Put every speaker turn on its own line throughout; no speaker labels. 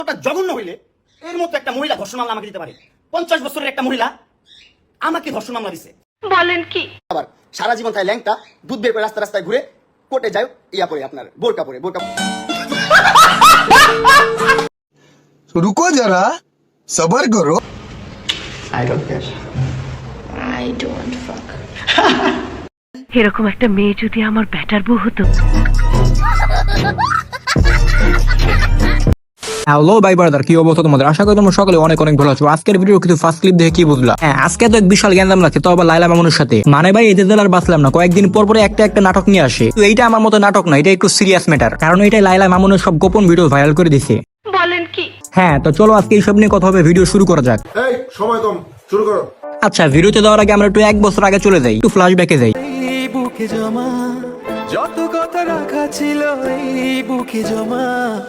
ওটা জঘন্য হইলে এর মতো একটা মহিলা ধর্ষণ মামলা আমাকে দিতে পারে। 50 বছরের একটা মহিলা আমাকে ধর্ষণ মামলা দিছে।
বলেন কি?
আবার সারা জীবন তাই ল্যাংটা দুধ বের করে রাস্তায় ঘুরে কোর্টে যায় ইয়া পরে আপনার বোরকা পরে
रुको जरा सबर करो।
I don't care.
I don't fuck. এরকম একটা মেয়ে যদি আমার ব্যাটার বউ হতো।
হ্যালো ভাই ব্রাদার, কি অবস্থা তোমাদের? আশা করি তোমরা সকলে অনেক অনেক ভালো আছো। আজকের ভিডিও কিছু ফার্স্ট ক্লিপ দেখে কি বুঝলা? হ্যাঁ, আজকে তো এক বিশাল গ্যান্দাম লাগছে, তো আবার লাইলা মামুনের সাথে। মানে ভাই এই যে আর বাঁচলাম না, কয়েকদিন পর পরে একটা নাটক নিয়ে আসে। তো এইটা আমার মতো নাটক না, এটা একটু সিরিয়াস ম্যাটার, কারণ এটা লাইলা মামুনের সব গোপন ভিডিও ভাইরাল করে দিছে।
বলেন কি?
হ্যাঁ, তো চলো আজকে এইসব নিয়ে কথা হবে, ভিডিও শুরু করা যাক।
এই সময় কম, শুরু করো।
আচ্ছা, ভিডিওতে যাওয়ার আগে আমরা একটু 1 বছর আগে চলে যাই, একটু ফ্ল্যাশব্যাকে যাই।
এই বুকে জমা যত কথা রাখা ছিল, এই বুকে জমা।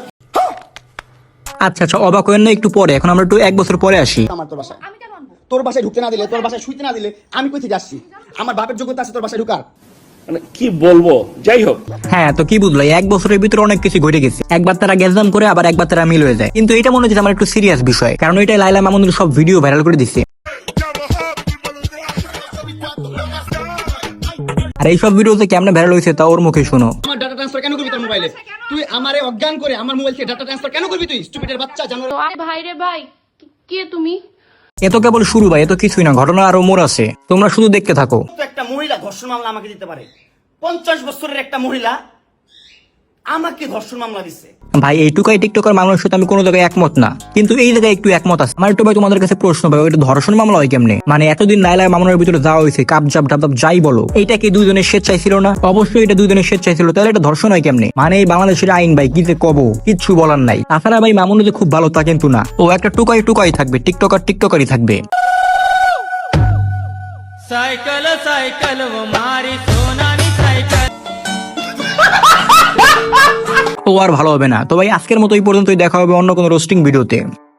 আচ্ছা, অবাক হয়েন না একটু পরে, এখন আমরা একটু 1 বছর পরে আসি।
আমার তোর বাসায় তোর বাসায় ঢুকতে না দিলে, তোর বাসায় শুইতে না দিলে আমি কই থেকে আসছি? আমার বাপের যোগ্যতা আছে তোর বাসায় ঢুকার?
মানে কি বলবো, যাই হোক।
হ্যাঁ, তো কি বুঝলো, 1 বছরের ভিতরে অনেক কিছু ঘটে গেছে। একবার তারা গ্যাসদাম করে, আবার একবার তারা মিল হয়ে যায়। কিন্তু এটা মনে হচ্ছে আমার একটু সিরিয়াস বিষয়, কারণ এটা লাইলা মামুনের সব ভিডিও ভাইরাল করে দিচ্ছে। আর এইসব ভিডিওতে কেমনে ভাইরাল হয়েছে তা ওর মুখে শোনো।
আমার ডাটা ট্রান্সফার কেন করবি তোর মোবাইলে? তুই আমারে অজ্ঞান করে আমার মোবাইল থেকে ডাটা ট্রান্সফার কেন করবি তুই? স্টুপিডের বাচ্চা জানো।
ভাই রে ভাই, কে তুমি?
এ তো কেবল শুরু ভাই, এত কিছুই না, ঘটনা আরো মোড় আছে, তোমরা শুধু দেখতে থাকো।
তো একটা মহিলা ধর্ষণ মামলা আমাকে দিতে পারে। 50 বছরের একটা মহিলা আমাকে ধর্ষণ মামলা দিছে।
ভাই এইটুকাই টিকটকার মানুষের সাথে আমি কোনো জায়গায় একমত না, কিন্তু এই জায়গায় একটু একমত আছে। আমার একটু ভাই তোমাদের কাছে প্রশ্ন ভাই, ওইটা ধর্ষণ মামলা হয় কেমনে? মানে এতদিন লাইলা মামুনের ভিতরে যাওয়া হয়েছে, কাপজাপ ডাবজাপ যাই বলো, এইটা কি দুইজনের স্বেচ্ছায় ছিল না? অবশ্যই এটা দুইজনের স্বেচ্ছায় ছিল, তাহলে এটা ধর্ষণ হয় কেমনে? মানে এই বাংলাদেশের আইন ভাই কি যে কব, কিচ্ছু বলার নাই। তাছাড়া ভাই মামুন যে খুব ভালো তা কিন্তু না, ও একটা টুকাই থাকবে, টিকটকারই থাকবে।
সাইকেল সাইকেল ও মারি সোনালি সাইকেল।
ও আর ভালো হবে না। তো ভাই আজকের মতো এই পর্যন্তই, দেখা হবে অন্য কোনো রোস্টিং ভিডিওতে।